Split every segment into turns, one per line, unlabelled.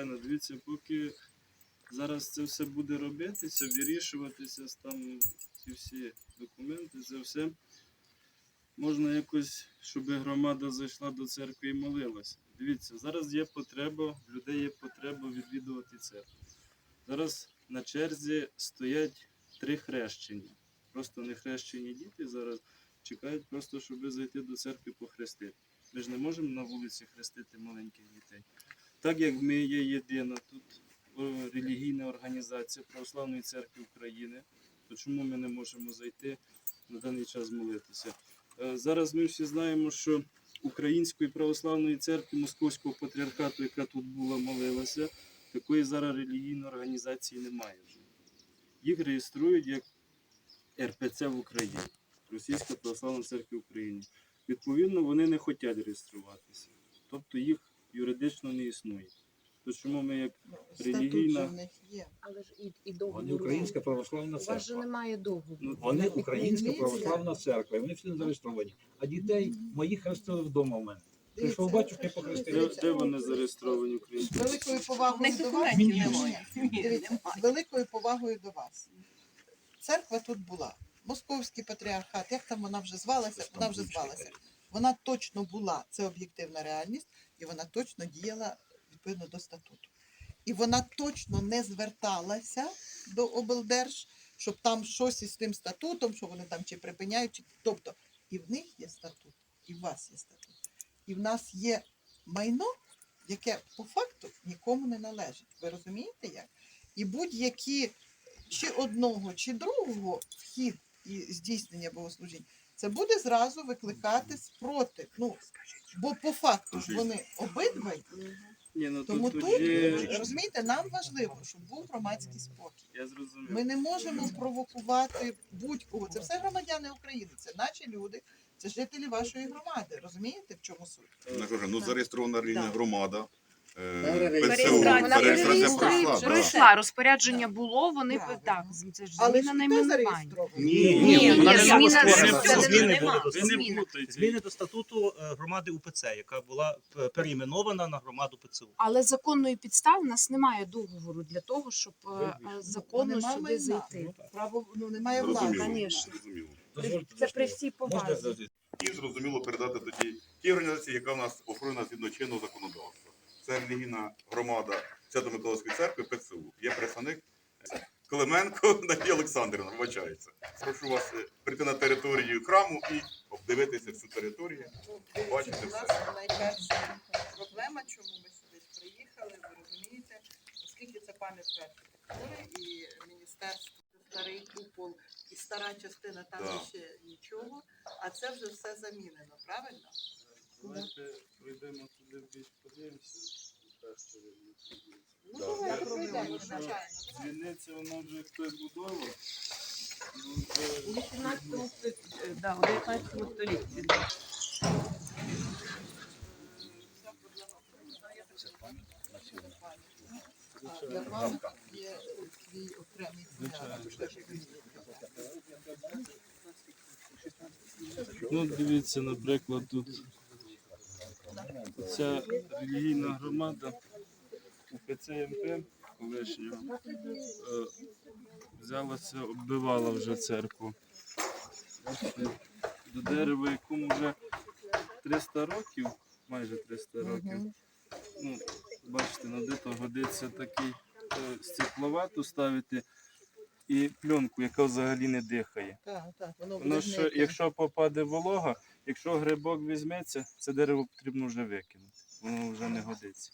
звичайно. Дивіться, поки зараз це все буде робитися, вирішуватися, там ці всі документи, це все можна якось, щоб громада зайшла до церкви і молилася. Дивіться, зараз є потреба, в людей є потреба відвідувати церкву. Зараз на черзі стоять 3 хрещення. Просто не хрещені діти зараз чекають просто, щоб зайти до церкви похрестити. Ми ж не можемо на вулиці хрестити маленьких дітей. Так як ми є єдина тут релігійна організація Православної церкви України, то чому ми не можемо зайти на даний час молитися? Зараз ми всі знаємо, що Української Православної церкви Московського патріархату, яка тут була, молилася, такої зараз релігійної організації немає вже. Їх реєструють як РПЦ в Україні, Російська Православна церква України. Відповідно, вони не хочуть реєструватися. Тобто їх юридично не існує. То чому ми як релігійна...
в них є.
Але ж і договору.
Вони Українська православна
У вас же
церква.
немає договору.
Вони Українська
Міліція.
православна церква, і вони всі не зареєстровані. А дітей моїх хрестили вдома в мене. Прийшов батюшка і похрестив.
Де вони зареєстровані
З
українською?
великою повагою до вас. Дивіться, з великою повагою до вас. Церква тут була. Московський патріархат, як там вона вже звалася? Вона вже звалася. Вона точно була, це об'єктивна реальність, і вона точно діяла відповідно до статуту. І вона точно не зверталася до облдерж, щоб там щось із тим статутом, що вони там чи припиняють, чи... Тобто і в них є статут, і в вас є статут. І в нас є майно, яке по факту нікому не належить. Ви розумієте як? І будь-які чи одного, чи другого вхід і здійснення богослужінь, це буде зразу викликати спротив. Ну, бо по факту ж вони обидва.
Ні, ну,
Тому
тут
тут,
є...
розумієте, нам важливо, щоб був громадський спокій.
Я зрозумів.
Ми не можемо провокувати будь-кого. Це все громадяни України, це наші люди, це жителі вашої громади. Розумієте, в чому суть?
Я кажу, ну зареєстрована рівня громада.
Реєстрація.
ПЦУ,
Вона
реєстрація
пройшла,
пройшла.
Розпорядження було, вони
Правильно.
так, це ж
Але
зміна
ж хто
найменування.
зареєстрований?
Ні,
вона не
зміна
була
зміни
створена. Зміни
нема.
були
Ви не
Зміна.
плутайте.
Зміни до статуту громади УПЦ, яка була перейменована на громаду ПЦУ.
Але законної підстави в нас немає договору для того, щоб законно
Нема
сюди
майна.
зайти.
Право, немає влади.
Зрозуміло.
Конечно.
Зрозуміло.
Це при всій
Можна
повазі.
завжди?
І зрозуміло передати тоді тій організації, яка в нас охоронена згідно чинного законодавства. Це релігійна громада Свято-Миколаївської церкви ПЦУ. Є представник Клименко Надія Олександрівна, вибачається. Прошу вас прийти на територію храму і обдивитися всю територію. Побачите
У
все.
нас найперша проблема, чому ми сюди приїхали, ви розумієте, оскільки це пам'ятка архітектури і міністерство, старий купол і стара частина, там
Да.
ще нічого, а це вже все замінено, правильно?
Давайте пройдемо туди більш подивимося.
Ну,
Да.
давайте
Я
пройдемо,
думаю, що
звичайно.
Дзвіниця, вона вже хтось будував. Ну,
У
вже
18 столітті.
Для вас є свій окремий порядок.
Ну, дивіться, наприклад, тут ця релігійна громада УПЦ МП колишнього взялася, оббивала вже церкву. Бачите, до дерева, якому вже 300 років, майже 300 років. Ну, бачите, на дито годиться такий стекловату ставити і пленку, яка взагалі не дихає.
Так, так, воно
Воно
буде
що,
гнити.
якщо попаде волога, якщо грибок візьметься, це дерево потрібно вже викинути. Воно вже не годиться.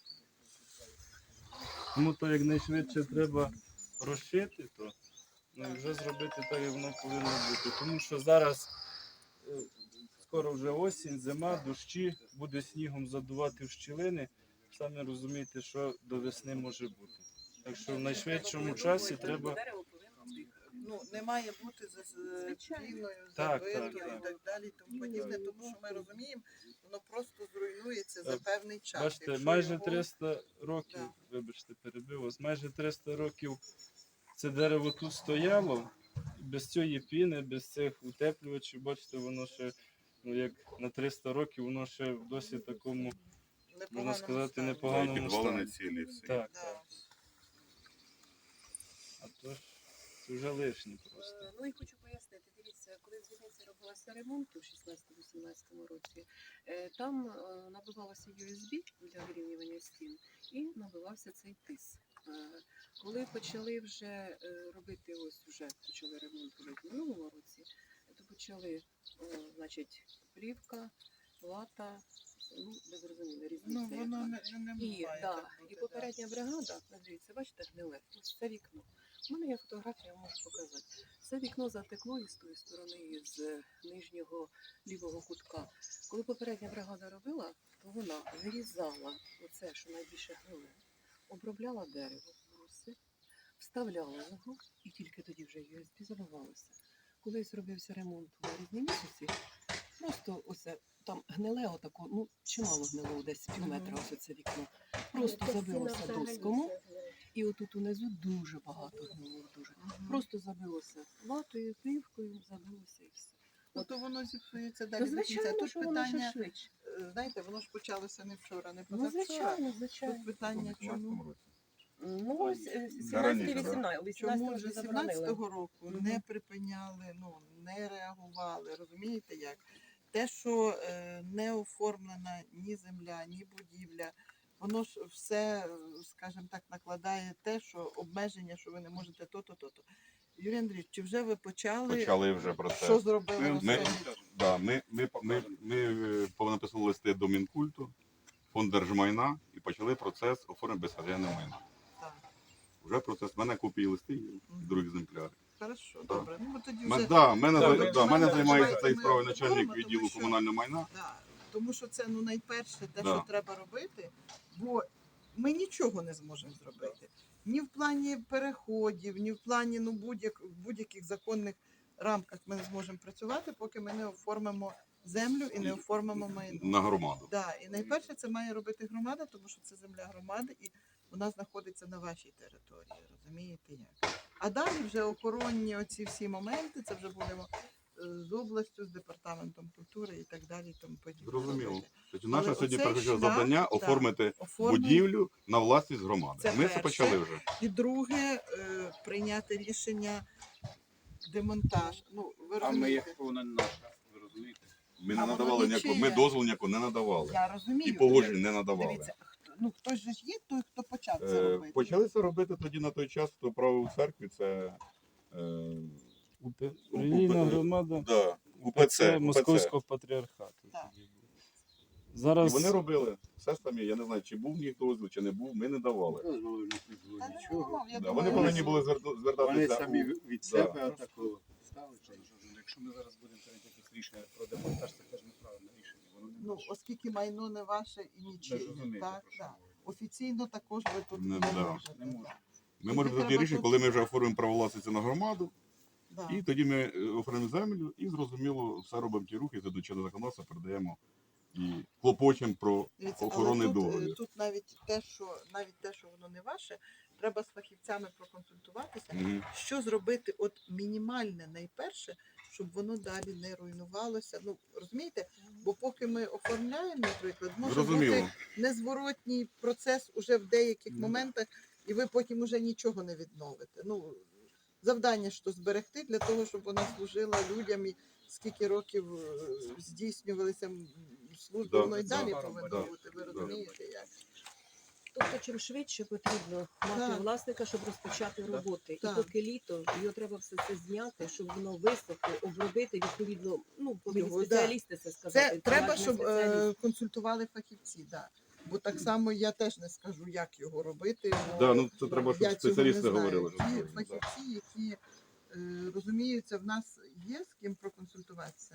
Тому то якнайшвидше треба розшити, то ну, і вже зробити так, як воно повинно бути. Тому що зараз скоро вже осінь, зима, дощі, буде снігом задувати в щілини. Самі розумієте, що до весни може бути. Так що в найшвидшому часі треба...
Ну, не має бути цільною,
Так,
забитою
так,
і так далі, і тому подібне, тому що ми розуміємо, воно просто зруйнується за певний час.
Бачите,
Якщо
майже
його-
300 років,
Да.
вибачте, перебив вас, майже 300 років це дерево тут стояло, без цієї піни, без цих утеплювачів, бачите, воно ще, ну як на 300 років, воно ще в досить такому можна сказати,
стані.
непоганому
Підвалини
стані.
цілі всі.
Так,
Да.
так. А то ж це вже лишнє просто.
Ну і хочу пояснити, дивіться, коли в Звільниці робилася ремонт у 16-18 році, там набивалося USB для вирівнювання стін і набивався цей тис. Коли почали вже робити, ось вже почали ремонт робити в минулому році, то почали, значить, плівка, лата, ну, ви зрозуміли,
Ну,
різниця.
воно
яка.
не
І,
буває
да,
так бути,
і попередня бригада, дивіться, бачите, гниле, ось це вікно. У мене є фотографія, я можу показати. Це вікно затекло із тої сторони, із нижнього лівого кутка. Коли попередня бригада робила, то вона вирізала оце, що найбільше гниле, обробляла дерево, бруси, вставляла його, і тільки тоді вже USB забивалося. Коли зробився ремонт у березні місяці, просто оце там гниле отако, ну чимало гнило, десь пів метра ось це вікно. Просто забилося доскому. І отут унизу дуже багато гнило, дуже. Просто забилося латою, плівкою, забилося і все.
Ну, то воно зіпсується
То
далі. до кінця.
звичайно,
Тут
що воно ще
питання,
швидше.
знаєте, воно ж почалося не вчора, не
Ну,
позавчора.
звичайно,
Тут
звичайно.
питання, чому,
Ну, ось
Зараніше,
17-18
чому
вже
з
заборонили.
18-го року
Мгм.
не припиняли, ну, не реагували, розумієте як? Те, що не оформлена ні земля, ні будівля, воно ж все, скажімо так, накладає те, що обмеження, що ви не можете то-то, то-то. Юрій Андрійович, чи вже ви почали,
Почали вже про це.
що зробили?
Ми-
розкажіть?
Да, ми понаписали листи до Мінкульту, фонд держмайна і почали процес оформлення безхазяйного майна.
Так,
Вже процес, в мене копії листів є,
Мгм.
другі екземпляри.
хорошо,
Да.
добре. Ну, бо тоді
Мене
вже...
мене
ми-
займається
ми-
цією
ми
справою
говоримо,
начальник
тому
відділу
що-
комунального майна.
Да, тому що це найперше те,
Да.
що треба робити, бо ми нічого не зможемо зробити. Ні в плані переходів, ні в плані будь-яких законних рамках ми не зможемо працювати, поки ми не оформимо землю і не оформимо майно.
На громаду.
Да, і найперше це має робити громада, тому що це земля громади і вона знаходиться на вашій території. Розумієте як? А далі вже охоронні оці всі моменти, це вже будемо з областю, з департаментом культури і так далі. І тому подібне.
Зрозуміло.
робити.
Тобто наше
Але
сьогодні
оцей
перше
шлях,
завдання
так,
оформити
Оформлення.
будівлю на власність громади.
Це
Ми це
перше.
почали вже.
І друге, прийняти рішення демонтаж. Ну, ви
А ми
розумієте?
як вона не наша, ви розумієте?
Ми
А
не
воно
надавали ніякого, ми
нічиє.
дозволу ніякого не надавали.
Я розумію.
І погоджень не надавали.
Дивіться, хтось же ж є той, хто почав це робити.
Почали це робити тоді на той час, хто правив у церкві, це
Релігійна громада
да, УПЦ.
Московського патріархату.
Так.
тоді був.
І
Зараз
вони робили все самі. Я не знаю, чи був в них дозвіл, чи не був, ми не давали.
Дозволу в них не було
Та не
нічого.
було, я
Да,
думаю,
вони повинні були звертатися.
Вони самі
у-
від
да.
себе такого ставили.
Якщо ми зараз будемо прийняти якісь рішення про демонтаж, це теж неправильне рішення. Воно не
Ну,
наше.
оскільки майно не ваше і
Ви
нічиє,
ж розумієте,
так,
про що
так.
говорю.
Офіційно також ви тут
Не,
не
да.
можете.
Не можна.
Ми можемо
Тоді
тоді
треба
рішення,
тут-
коли ми вже оформимо право власності на громаду,
Да.
і тоді ми оформимо землю і зрозуміло все робимо ті рухи, за чинного законодавства передаємо і клопочемо про
Дивіться,
охоронний
але тут,
договір.
тут навіть те, що воно не ваше, треба з фахівцями проконсультуватися,
Мгм.
що зробити от мінімальне найперше, щоб воно далі не руйнувалося. Ну, розумієте? Бо поки ми оформляємо, наприклад, може
Зрозуміло.
бути незворотній процес уже в деяких
Ну,
моментах, і ви потім уже нічого не відновите. Ну, завдання ж то зберегти для того, щоб вона служила людям і скільки років здійснювалися служби,
Да,
воно і далі
да,
повинно
да,
бути. Ви
да.
розумієте як?
Тобто, чим швидше потрібно мати
Так.
власника, щоб розпочати роботи.
Так.
І поки літо, його треба все це зняти, щоб воно висохло, обробити, відповідно, ну, повинні
Його, да.
спеціалісти це сказати.
Це треба,
приватний
щоб
спеціаліст.
консультували фахівці, да. Бо так само я теж не скажу, як його робити. Бо
Да, ну це треба, щоб
я цього
спеціалісти
не знаю.
говорили.
Ті
Да.
фахівці, які розуміються, в нас є з ким проконсультуватися.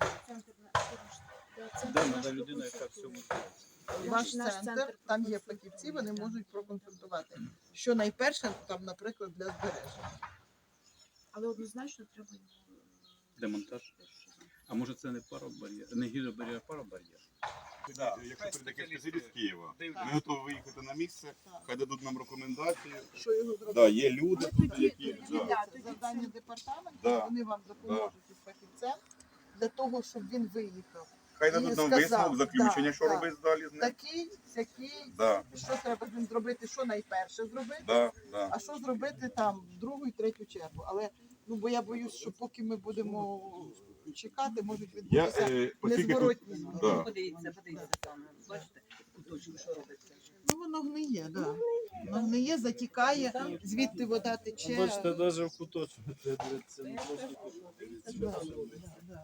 Де надо людина, яка в цьому збирається?
Ваш
Наш
центр,
центр
там є
проконсультує,
фахівці, вони
так.
можуть проконсультувати. Що найперше, там, наприклад, для збереження.
Але однозначно треба його
Демонтаж. А може це не паробар'єр, не гідробар'єр, а паробар'єр?
Якщо прийде якийсь спеціаліст з Києва,
Дивіться.
ми готові виїхати на місце,
Так.
хай дадуть нам рекомендації.
Що його зробити?
Да, є люди
Ну,
тут,
тоді-
які
тоді
да.
да.
Це завдання департаменту,
Да.
вони вам допоможуть із фахівцем для того, щоб він виїхав
Хай дадуть нам
сказав,
висновок, заключення,
да,
що
да.
робити далі з ним.
Такий, сякий,
Да,
що треба з ним зробити, що найперше зробити,
да, да.
а що зробити там в другу і третю чергу. Але ну бо я боюсь, що поки ми будемо чекати, можуть
Я,
відбутися
оскільки тут,
незворотні зміни.
да.
Подивіться саме. Бачите, куточок, що робиться.
Ну воно гниє, да. Воно гниє, затікає, звідти вода тече.
Бачите, навіть в куточку. Це не просто
Да, да.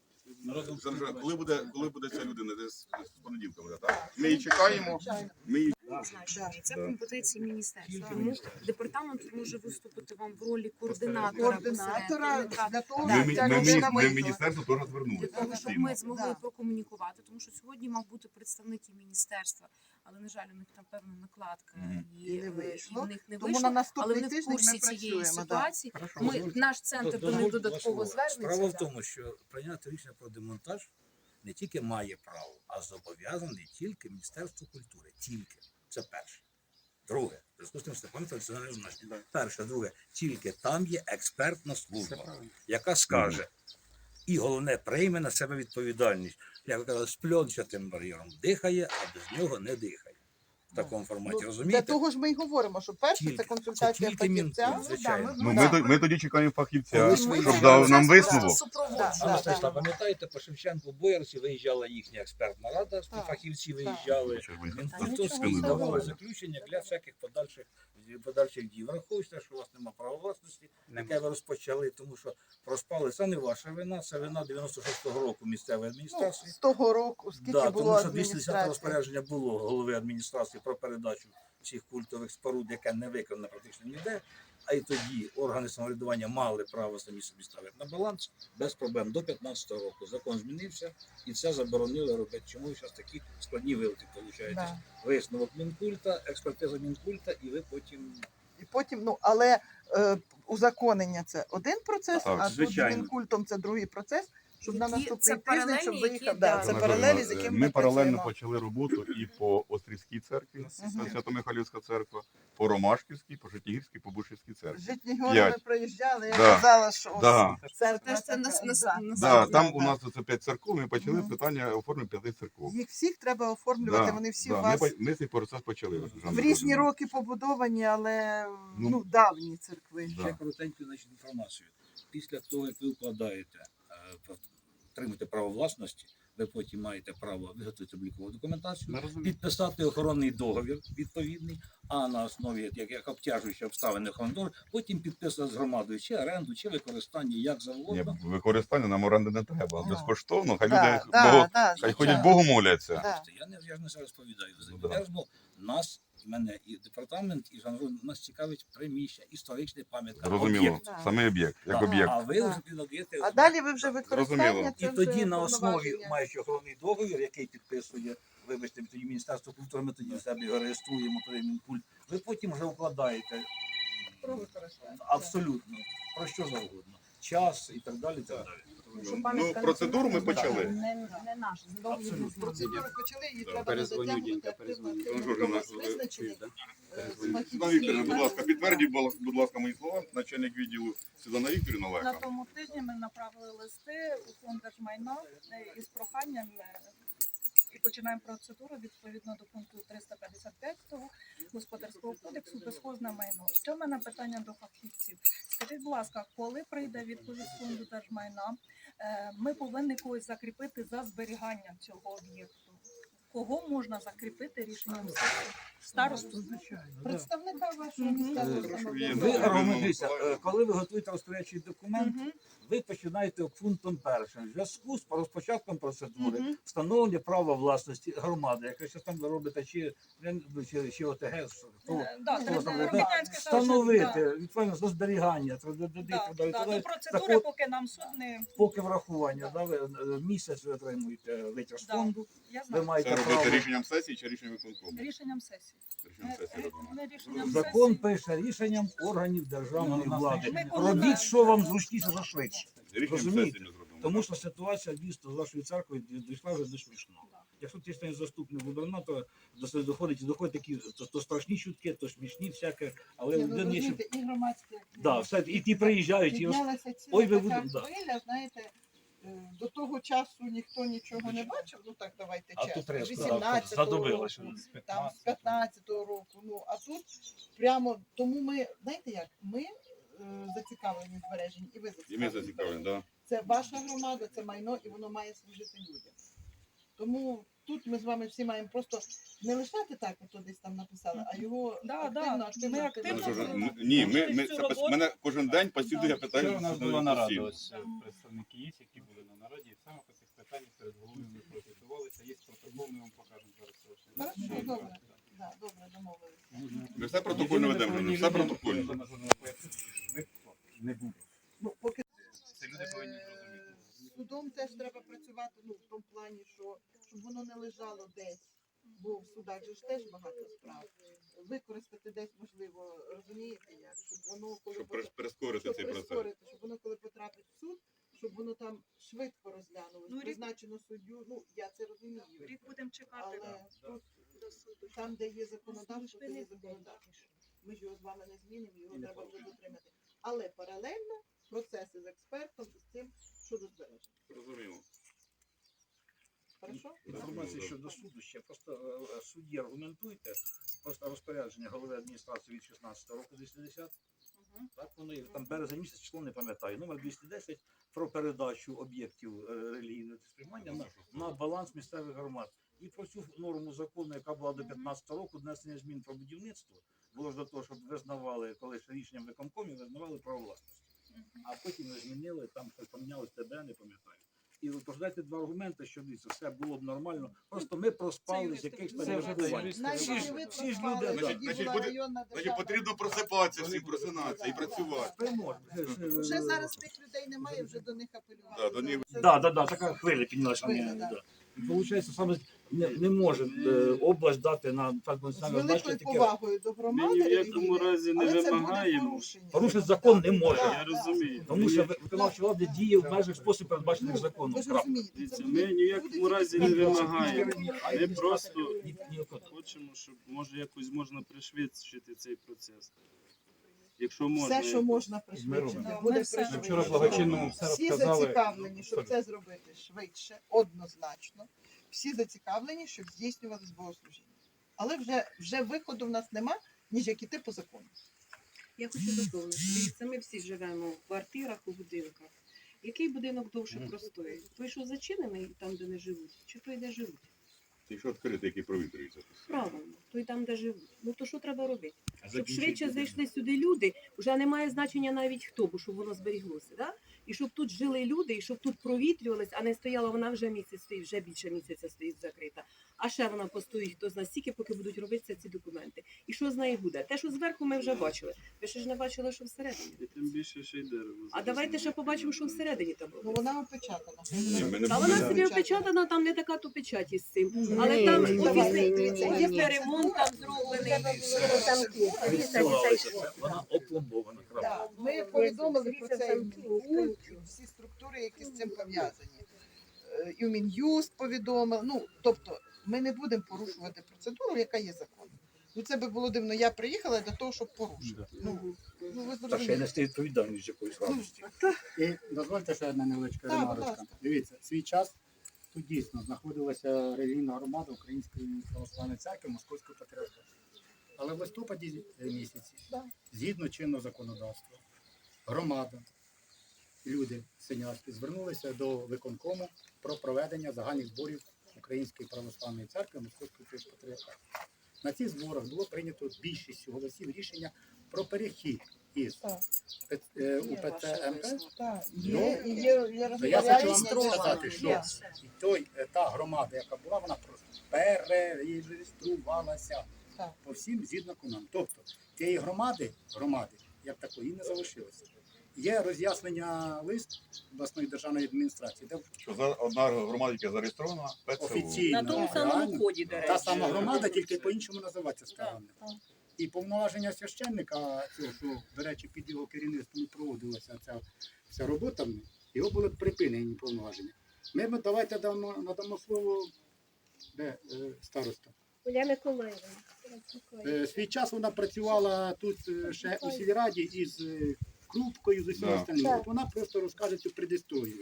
Жанжа, коли буде ця людина? Десь з понеділка буде, так? Ми її чекаємо,
Звичайно.
ми її
Значення. Це
Да.
компетенції міністерства. Тому департамент може виступити вам в ролі координатора.
Координатора для того,
Да.
щоб
ми,
ця
ми,
людина
ми в
вийшла.
міністерство теж
Для
звернулися
того, щоб
постійно.
ми змогли
Да.
прокомунікувати, тому що сьогодні мав бути представник і міністерства, але, на жаль, у них там певна накладка
Мгм.
І не вийшло.
і в них не
Тому
вийшло.
на
Але
наступний
вони в
тиждень
курсі
ми
цієї
працюємо. Да.
ситуації.
Хорошо,
Ми,
дозвольте.
наш центр до них
Дозвольте
додатково
два слова. Справа
звернеться.
в тому, що прийняти рішення про демонтаж не тільки має право, а зобов'язаний тільки Міністерство культури. Тільки. Це перше. Друге, в зв'язку з тим, що це пам'ятає національне значення. Перше, друге, тільки там є експертна служба, яка скаже, і головне, прийме на себе відповідальність. Як казали, з пльончатим бар'єром дихає, а без нього не дихає. В такому форматі,
Для
розумієте?
того ж ми й говоримо, що перше
Тільки.
це консультація
Це тільки
фахівця.
Мінкульт, звичайно.
Ну, ми тоді чекаємо фахівця,
Коли
щоб
свої
дав
процес
нам
просто
висновок.
супроводжує.
Да.
Анна Станіславівна, пам'ятаєте, по Шевченку Боярці виїжджала їхня експертна рада,
Так,
фахівці
так.
виїжджали.
Що ж ви
Він
так
просто
спину
давали
давали?
заключення для всяких подальших дій. Враховуйте, що у вас немає права власності, яке ви розпочали, тому що проспали. Це не ваша вина, це вина 96-го року місцевої
Ну,
адміністрації.
з того року, скільки
Да,
було
тому що 210
адміністрації.
розпорядження було голови адміністрації про передачу цих культових споруд, яке не виконано практично ніде. А й тоді органи самоврядування мали право самі собі ставити на баланс без проблем до 15-го року. Закон змінився і це заборонили робити. Чому зараз такі складні вилки виходять?
Да.
Висновок Мінкульта, експертиза Мінкульта, і ви потім
І потім, ну, але узаконення це один процес,
Так,
а тут з
звичайно.
Мінкультом це другий процес, щоб на
Які-
наступний
це
тиждень,
паралельні,
щоб
які,
виїхав.
да.
Да, це
Вона
паралелі, з
говорила,
якими
ми
ми
паралельно
працюємо.
почали роботу і по Острівській церкві,
Мгм.
Свято-Михайлівська церква, по Ромашківській, по Житнігірській, по Бушівській церкві.
Житні гори ми
П'ять.
проїжджали, я
Да.
казала, що
Да.
церква
Теж це
така, да.
Да,
Да,
там
да.
у нас це 5 церков, ми почали
Мгм.
питання оформлення 5 церков.
Їх всіх треба оформлювати,
Да,
вони всі
да,
у вас
ми цей процес почали.
в
Жанна
різні
Володимирівна.
роки побудовані, але
Ну,
ну, давні церкви.
Да.
ще коротеньку значить, інформацію. Після того, як ви укладаєте, отримуєте право власності, ви потім маєте право виготовити облікову документацію, підписати охоронний договір відповідний, а на основі як обтяжуючі обставини охоронного договору, потім підписати з громадою чи оренду, чи використання, як
Ні,
завгодно.
використання нам оренди не треба.
Ну.
Безкоштовно, хай
Да,
люди
да,
Богу,
да,
хай
звичайно.
ходять Богу моляться.
Да.
Я ж не зараз розповідаю.
Ну, да.
Я розмов, нас, мене і департамент, і жанру, нас цікавить приміщення, історична пам'ятка,
Зрозуміло,
об'єкт.
Да.
саме об'єкт, як
Да.
об'єкт.
А ви
Да.
вже підоб'єте.
А далі ви вже використання,
Зрозуміло.
І
це
тоді
вже
на основі,
повноваження.
маючи охоронний договір, який підписує, вибачте, тоді Міністерство культури, ми тоді в себе його реєструємо, тоді Мінкульт, ви потім вже укладаєте
Про використання.
абсолютно про що завгодно. Час і так далі. І так далі.
Ну, процедуру ми почали.
Не наш, задовго не з нами.
Процедуру почали, її
Да.
треба
Перезвоню,
затягнути
Дінька,
активно.
перезвоню.
Ну, Жоржина,
Визначені.
Світлана Вікторівна, будь ласка, підтвердіть, будь ласка, мої слова. Начальник відділу Світлана Вікторівна
На
Леха.
тому тижні ми направили листи у фонд держмайна із проханням і починаємо процедуру відповідно до пункту 355 Господарського кодексу безхозне майно. Що в мене питання до фахівців? Скажіть, будь ласка, коли прийде відповідь з фонду держмайна, ми повинні когось закріпити за зберіганням цього об'єкту? Кого можна закріпити рішенням сесії? Старосту?
Представника вашого
Мгм.
місцевого
Прошу,
самоврядування.
є.
Ви аргументуєте, коли ви готуєте розпорядчий документ,
Мгм.
ви починаєте пунктом першим. В зв'язку з розпочатком процедури
Мгм.
встановлення права власності громади, якщо там ви робите чи ОТГ, то
Да,
хто
треба
там,
громадянське
встановити відповідно до зберігання,
до процедури, поки нам суд не...
поки врахування, да, ви місяць ви отримуєте витяг з
Да.
фонду,
Я
ви
знаю.
маєте
Це
право.
робити рішенням сесії чи рішенням виконкому?
Рішенням сесії.
Рішенням сесії робимо.
Не рішенням
Закон
сесії.
пише рішенням органів державної влади.
Ми коли
Робіть, що вам зручніше за швидше.
Рішенням
Розумієте?
сесії ми зробимо.
Тому що ситуація дійсно з вашою церквою дійшла вже до смішного. Якщо ти станеш заступник губернатора, доходять такі то страшні чутки, то смішні всяке, але
Ні,
в
ну,
людини є ще.
розумієте, і громадські
Да, все, і ті приїжджають, і
піднялася ціла
Ой, ви
така
будете, да.
хвиля, знаєте, До того часу ніхто нічого не бачив, ну так давайте
А тут
чесно,
треба
18-го року,
задобило, що з
там з 15-го року, ну а тут прямо, тому ми, знаєте як, ми зацікавлені в збереженні, і ви
І ми
зацікавлені.
зацікавлені, так.
Це ваша громада, це майно, і воно має служити людям. Тому тут ми з вами всі маємо просто не лишати так, от десь там написали, а його
Да,
активно,
ми
активно.
активно
Ні,
цю роботу.
мене кожен день постійно я питаю.
Вчора у нас була
постійно.
нарада, ось представники є, які були на нараді, і саме по цих питаннях перед головою ми профітувалися. Є протокол, ми вам покажемо зараз.
Хорошо, добре. Да, добре, домовилися.
Ми все протокольно ведемо, ми все протокольно.
Не буде.
Ну, поки
Це люди повинні зрозуміти.
з судом теж треба працювати, ну, в тому плані, що щоб воно не лежало десь, бо в судах же ж теж багато справ. Використати десь, можливо, розумієте як, щоб воно, коли
Щоб
буде-
прискорити
щоб
цей процес.
прискорити, щоб воно коли потрапить в суд, щоб воно там швидко розглянулося,
Ну, рік-
призначено суддю, ну, я це розумію.
Рік будемо чекати.
Але тут, там, де є законодавство, то є законодавство. Ми ж його з вами не змінимо, його треба вже дотримати. Але паралельно процеси з експертом і з цим щодо збереження.
Розуміємо.
Хорошо?
Інформація щодо суду ще. Просто судді аргументуйте. Просто розпорядження голови адміністрації від 16 року 210. Так воно є. Там березень місяць, число не пам'ятаю. Номер 210 про передачу об'єктів релігійного сприймання на баланс місцевих громад. І про цю норму закону, яка була до 15 року, внесення змін про будівництво, було ж до того, щоб визнавали, коли ще рішенням виконкомів визнавали право власності. А потім не змінили, там щось помінялось, тебе не пам'ятаю. І розповідайте два аргументи, що дивіться, все було б нормально. Просто ми проспали з якихось
Це
там
вже
міркувань.
юристи.
Навіть
Всі ж-
не ви
всі ж
проспали,
люди,
тоді
значить,
була
буде-
районна
Значить,
державна
потрібно просипатися всім, просинатися і працювати.
Вже зараз тих людей немає, вже до них апелювати.
Да, до них-
Це-
Так, така хвиля піднялася.
Хвиля, да.
І виходить, саме не може область дати на так
З
національне
великою
значення таке.
повагою до
Ми
громади
ні в якому
релігійної,
разі не
але це буде
вимагаємо.
порушення.
Порушити закон не може.
Я розумію.
Тому що виконавча влада діє в межах спосіб передбачених
Ну,
законом.
ви ж
Крапка.
розумієте,
Дивіться,
це
ми
буде-
ні в якому
буде
разі не
тільки
вимагаємо. Ми
Ні,
просто
Ні,
хочемо, щоб може якось можна пришвидшити цей процес. Якщо можна.
все, що можна пришвидшити,
Ми
буде
все-
пришвидшено.
Вчора благочинному все
Всі
розказали.
зацікавлені, щоб це зробити швидше, однозначно. Всі зацікавлені, щоб здійснювалися богослужіння. Але вже виходу в нас нема, ніж як іти по закону.
Я хочу доповнити. Дивіться, ми всі живемо в квартирах, у будинках. Який будинок довше простоїть? Той, що зачинений там, де не живуть, чи той, де живуть?
Ти що відкритий, який провітрюється.
Правильно, той там, де живуть. Ну то що треба робити? Щоб швидше зайшли сюди люди, вже немає значення навіть хто, бо щоб воно зберіглося. Да? І щоб тут жили люди, і щоб тут провітрювалися, а не стояла вона вже місяць стоїть, вже більше місяця стоїть закрита. А ще вона постоїть хто знає стільки, поки будуть робитися ці документи. І що з нею буде? Те, що зверху ми вже бачили. Ви ще ж не бачили, що всередині.
І тим більше ще й дерево.
А давайте ще побачимо, що всередині там
Ну
робиться.
вона опечатана.
Ні, ми не
Та
будемо.
вона собі опечатана, там не така то печать із цим. Але
Ні,
там
ні,
офісний
ні.
ремонт там зроблений.
Вона опломбована. Крапка.
Так, ми повідомили про це і в Мінкульт, і всі структури, які з цим пов'язані. І в Мін'юст повідомив. Ну, тобто, ми не будемо порушувати процедуру, яка є законом. Ну, це би було дивно. Я приїхала для того, щоб порушити. Ну, ви
Та ще й
зрозумієте.
нести відповідальність якоїсь радості.
І дозвольте ще одна невеличка
Так, будь
ремарочка.
ласка.
Дивіться, свій час тут дійсно знаходилася релігійна громада Української православної церкви Московського патріархату. Але в листопаді місяці,
Да.
згідно чинного законодавства, громада, люди синявські звернулися до виконкому про проведення загальних зборів Української православної церкви Московського патріархату. На цих зборах було прийнято більшістю голосів рішення про перехід із
Так.
УПЦ МП.
Так,
Ну,
є
То я хочу вам
розпорядження,
сказати,
є.
що та громада, яка була, вона просто перереєструвалася
Так.
по всім згідно нам. Тобто тієї громади, як такої, не залишилося. Є роз'яснення лист обласної державної адміністрації, де
Що за одна громада, яка зареєстрована, ПЦУ.
офіційно
На тому самому
реально
коді, до
та
речі.
сама громада, тільки по-іншому називається ставлення.
так.
І повноваження священника, цього, що, до речі, під його керівництвом і проводилася ця вся робота, його були припинені повноваження. Давайте надамо слово, де староста.
Оля Миколаївна.
Свій час вона працювала тут ще у сільраді із Крупкою, з усім
Да.
остальним.
Так.
От вона просто розкаже цю предісторію.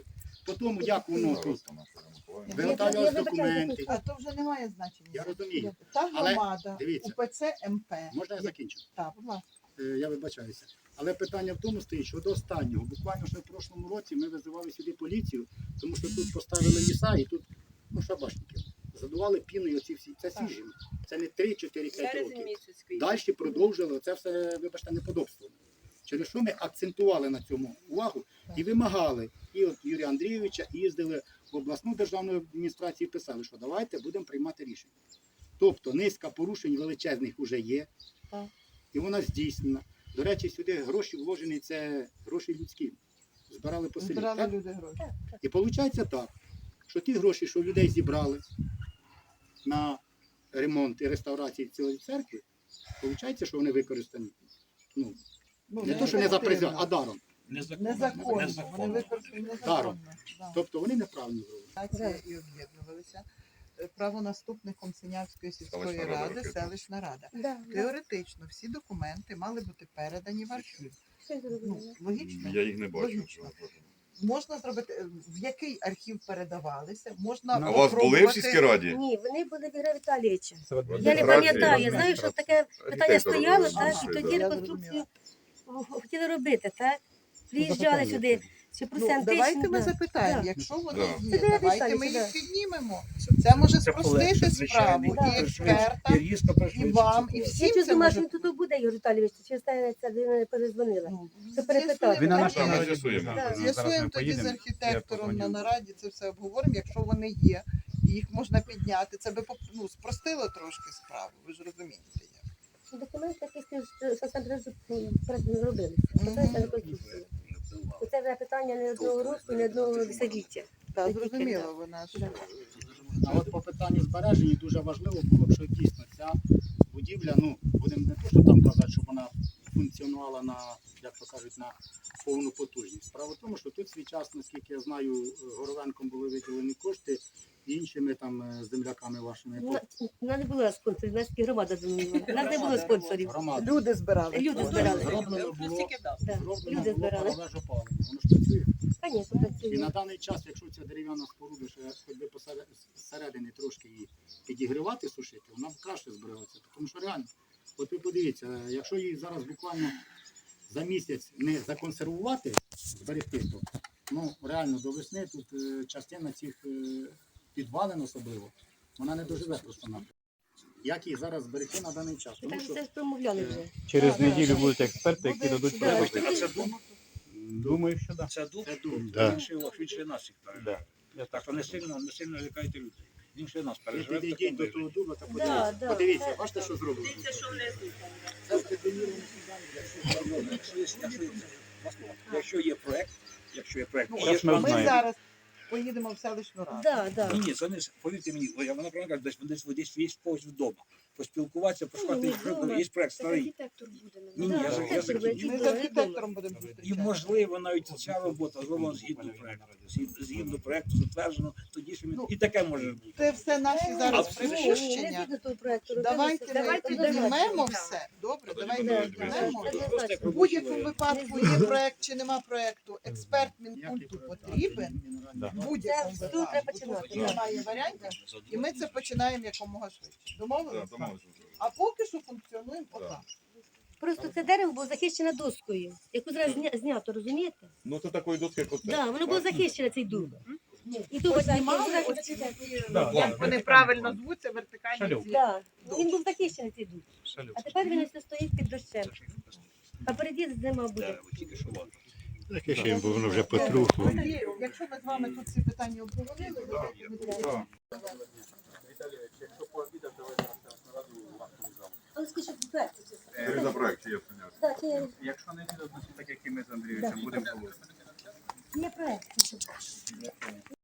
по тому, як воно тут
Я
виготовлялись документи.
А то вже немає значення.
Я розумію.
Та
Але,
громада,
дивіться.
УПЦ МП.
Можна я закінчу?
Так, будь ласка.
Я вибачаюся. Але питання в тому стоїть, що до останнього, буквально ще в прошлому році ми визивали сюди поліцію, тому що тут поставили ліса і тут, шабашники, задували піною оці всі. Це свіжі. Це не 3-4-5 років. Далі продовжили це все, вибачте, неподобство. Через що ми акцентували на цьому увагу і вимагали. І от Юрія Андрійовича їздили в обласну державну адміністрацію і писали, що давайте будемо приймати рішення. Тобто низка порушень величезних вже є,
Так.
і вона здійснена. До речі, сюди гроші вложені, це гроші людські. Збирали по селі.
Збирали
так?
люди гроші.
І виходить так, що ті гроші, що людей зібрали на ремонт і реставрацію цієї церкви, виходить, що вони використані. Ну, не то, що не за призя, а даром.
Незаконно. Вони використані
Даром.
незаконно. Да.
Тобто вони неправильно зробили.
І об'єднувалися. Правонаступником Синявської сільської
Селищна рада,
ради
ракетна.
селищна рада. Теоретично всі документи мали бути передані в архів. Ну, логічно?
Я їх не бачу.
Логічно. Можна зробити, в який архів передавалися, можна
А у вас були в сільській раді?
Ні, вони були в Ігоря Віталійовича.
Це от
Я не пам'ятаю, я знаю, що таке питання
Архітектор
стояло,
робив,
так,
що
і
це,
тоді
да.
реконструкцію хотіли робити, так? Приїжджали сюди, чи
Ну,
процентично.
давайте ми
да.
запитаємо,
Да.
якщо вони
Да.
є,
Це
давайте ми
да.
їх піднімемо. Це може спростити справу і експертам, і вам, і
Я
всім
щось
це
думаю, що
може.
він тут буде, Ігор Віталійович, чи станеться, де мене перезвонила.
Ну,
Це перепитати.
Він на
так?
нашому
Ми
нараді
з'ясуємо.
буде.
Да.
Зараз ми
З'ясуємо тоді з
поїдемо, я
архітектором на
позвоню.
нараді, це все обговоримо. Якщо вони є, і їх можна підняти, це би спростило трошки справу, ви ж розумієте. як.
Документи якісь що сам не зробили. Це реконструкція. Це вже питання не одного року, не одного десятиліття.
Так, зрозуміло, вона ж.
Да.
А от по питанню збереження дуже важливо було б, що дійсно ця будівля, будемо не то, що там казати, щоб вона функціонувала на, як то кажуть, на повну потужність. Справа в тому, що тут свій час, наскільки я знаю, Горовенком були виділені кошти і іншими там земляками вашими.
У нас не було спонсорів, у нас тільки громада замінювала. У нас не було спонсорів.
Громада.
Люди збирали.
Люди збирали.
Зроблено було,
Да.
зроблено
Люди
було
збирали.
парове опалення. Воно ж працює.
Звісно,
І
працює.
на даний час, якщо ця дерев'яна споруда ще хоч би посередині трошки її підігрівати, сушити, вона б краще збереться. Тому що реально, от ви подивіться, якщо її зараз буквально за місяць не законсервувати, зберегти, то реально до весни тут частина цих підвалин особливо, вона не доживе просто на. Як її зараз зберегти на даний час?
Ми
Тому
так
що
все ж промовляли вже.
Через
Да,
неділю
да.
будуть експерти, які дадуть
Да.
пропозиції.
А це дуб?
Думаю, що так.
Це дуб?
це дуб.
Да.
Він ще нас їх переживе.
Да. Я
Так що не сильно лякайте людей. Він ще нас
Ви
переживе. в
підійдіть
такому
до того дуба та
Да,
подивіться.
да.
Подивіться, бачите, що зроблено? Це здетоніровані
Якщо є проект,
Ну,
і
раз
є
ми
Ми
знаємо.
зараз поїдемо в селищну раду.
Да, да.
Ні, це не повірте мені, вона правильно каже, десь є когось вдома. Поспілкуватися, пошукати
Ні, вдома.
є проект
Так
старий.
архітектор буде.
Ні, я
Архітектор
закінчу.
буде,
Ми з
чудово,
архітектором будемо
І
зустрічатися.
можливо навіть ця робота зроблена згідно проекту. Згідно проекту затверджено, тоді що і таке може бути.
Це все наші зараз
А,
припущення. Давайте ми піднімемо все. Добре, давайте
Да,
піднімемо.
да.
В будь-якому випадку є проект чи нема проекту. Експерт Мінкульту потрібен.
Да.
В будь-якому
Це тут треба
випадку.
починати,
Тут немає варіантів. І ми це починаємо якомога швидше. Домовилися?
Домовилися.
А поки що функціонуємо отак.
Просто це дерево було захищене доскою, яку зараз знято, розумієте?
Ну це такої доски, як оце.
Так, воно було захищене, цей дуб. І дуб
Познімали
знімали.
оці такі,
Да,
як вони правильно звуться, вертикальні
Шалюк.
ці.
Так, він був захищений, цей дуб.
Шалюк.
А тепер він ось стоїть під дощем. А переді зима буде.
Тільки що ладно.
Таке ще бо воно вже потрухло.
Тоді, якщо ми з вами тут ці питання обговорили, давайте ми тоді-
Але скажіть, проект.
За проект, я поняв.
Так, це
Якщо не буде, значить так, як і ми з Андрійовичем будемо говорити.
є проект.